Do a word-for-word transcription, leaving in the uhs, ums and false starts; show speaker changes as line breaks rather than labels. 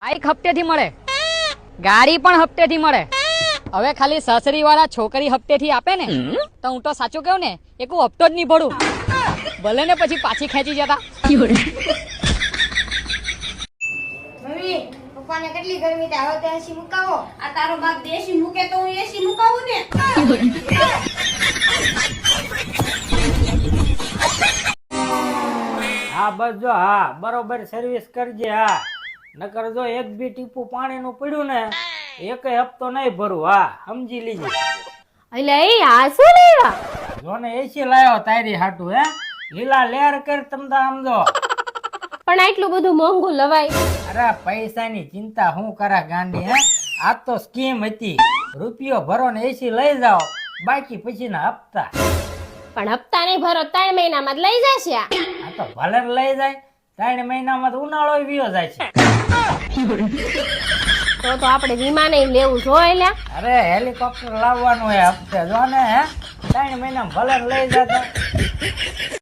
Bike હપ્તેથી મળે, ગાડી પણ હપ્તેથી મળે. હવે ખાલી સસરી વાળા છોકરી હપ્તેથી આપે ને તો હું તો સાચું કહું ને એક હું હપ્તો જ નહીં ભરું, ભલે ને પછી પાછી ખેંચી જતા.
મમ્મી પપ્પાને કેટલી ગરમી થાય, હવે તો એસી મુકાવો.
આ તારો બાપ દેશી મૂકે તો હું એસી મુકાવું ને.
હા બસ જો, હા બરોબર સર્વિસ કરજે. હા નકર જો એક બી ટીપું પાણી નું પડ્યું ને એક હપ્તો નહીં ભરું. હા સમજી લીજે.
એટલે એ આ શું લેવા?
જો ને એસી લાયો તારી હાટું. હે લીલા લેર કર તમતા સમજો.
પણ આટલું બધું મોંઘું લવાય?
અરે પૈસાની ચિંતા હું કરા ગાંડી. હે આ તો સ્કીમ હતી, રૂપિયો ભરો ને એસી લઈ જાઓ, બાકી પછી ના હપ્તા.
પણ હપ્તા નહીં ભરો ત્રણ મહિનામાં જ લઈ જશે.
આ તો ભલે ને લઈ જાય, ત્રણ મહિનામાં તો ઉનાળો વિયો જાય છે.
તો તો આપણે વીમા નહીં લેવું જોઈએ લ્યા.
અરે હેલિકોપ્ટર લાવવાનું હે હપ્તે. જો ને હે ત્રણ મહિના ભલે ને લઈ જતા.